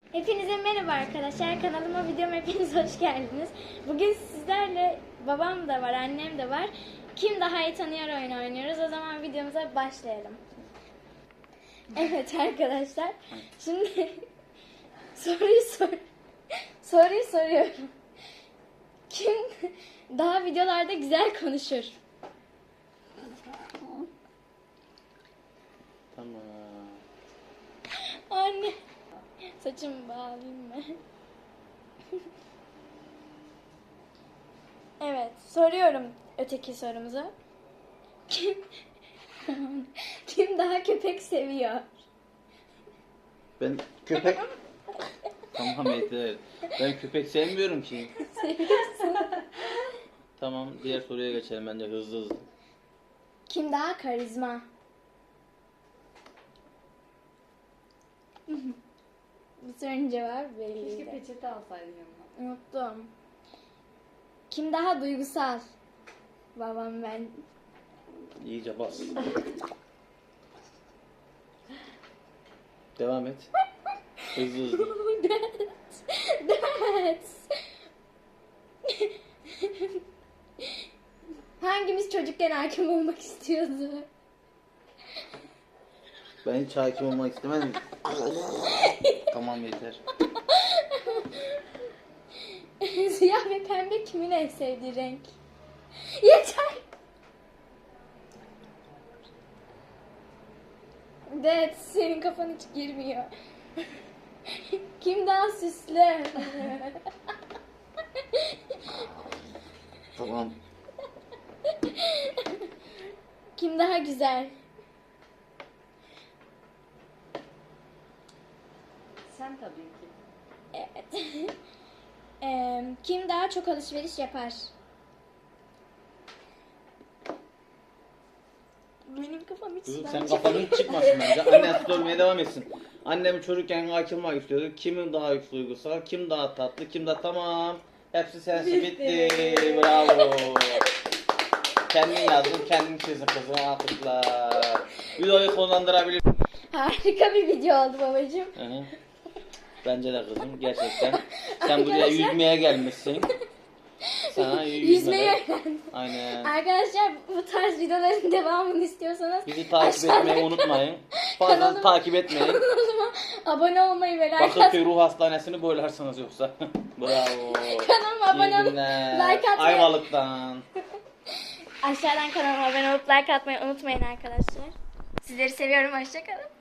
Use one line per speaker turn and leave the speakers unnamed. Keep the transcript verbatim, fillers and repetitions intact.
Hepinize merhaba arkadaşlar. Kanalıma, videoma hepiniz hoş geldiniz. Bugün sizlerle babam da var, annem de var. Kim daha iyi tanıyor oyunu oynuyoruz. O zaman videomuza başlayalım. Evet arkadaşlar. Şimdi soruyu sor soruyu soruyorum. Kim daha videolarda güzel konuşur?
Tamam.
Anne. Saçımı bağlayayım mı? Evet, soruyorum öteki sorumuzu. Kim kim daha köpek seviyor?
Ben köpek... Tamam yeter. Ben köpek sevmiyorum ki.
Seviyorsun.
Tamam, diğer soruya geçelim bence hızlı hızlı.
Kim daha karizma? Bu sorunun cevabı
Keşke
belliydi.
peçete alsaydın yanına.
Unuttum. Kim daha duygusal? Babam ben.
İyice bas. Devam et. Hızlı hızlı.
That's, that's. Hangimiz çocukken hakim olmak istiyordu?
Ben hiç hakim olmak istemedim. Tamam yeter.
Siyah ve pembe kimin en sevdiği renk? Yeter. Evet, senin kafan hiç girmiyor. Kim daha süslü?
Tamam.
Kim daha güzel?
Sen tabii ki.
Evet. Eee, kim daha çok alışveriş yapar? Benim kafam hiç
Kızım
sudan
sen
çıkmıyor.
kafanın hiç çıkmasın bence. Annen sormaya devam etsin. Annem çocukken hakim olmak istiyordu. Kimin daha duygusal, kim daha tatlı, kim daha tamam. Hepsi sensin, bitti. Bravo. Kendin yazdın, kendin çizdin kızım. Alkışlar. Videoyu sonlandırabilir.
Harika bir video oldu babacığım.
Hı hı. Bence de kızım gerçekten. Sen buraya
Arkadaşlar-
yüzmeye gelmişsin. Sana
Yüzmeyi
yüzmeye.
öğrendim.
Aynen.
Arkadaşlar bu tarz videoların devamını istiyorsanız
Bizi takip
aşağıdan
etmeyi unutmayın. Fazla
Kanalıma-
takip etmeyin.
kanalıma abone olmayı ve like
Bakırköy
atmayı,
Ruh Hastanesi'ni boylarsınız yoksa. Bravo.
kanalıma abone
İyi
olup
günler.
like atmayı,
Ayvalık'tan.
aşağıdan kanalıma abone olup like atmayı unutmayın arkadaşlar. Sizleri seviyorum. Hoşça kalın.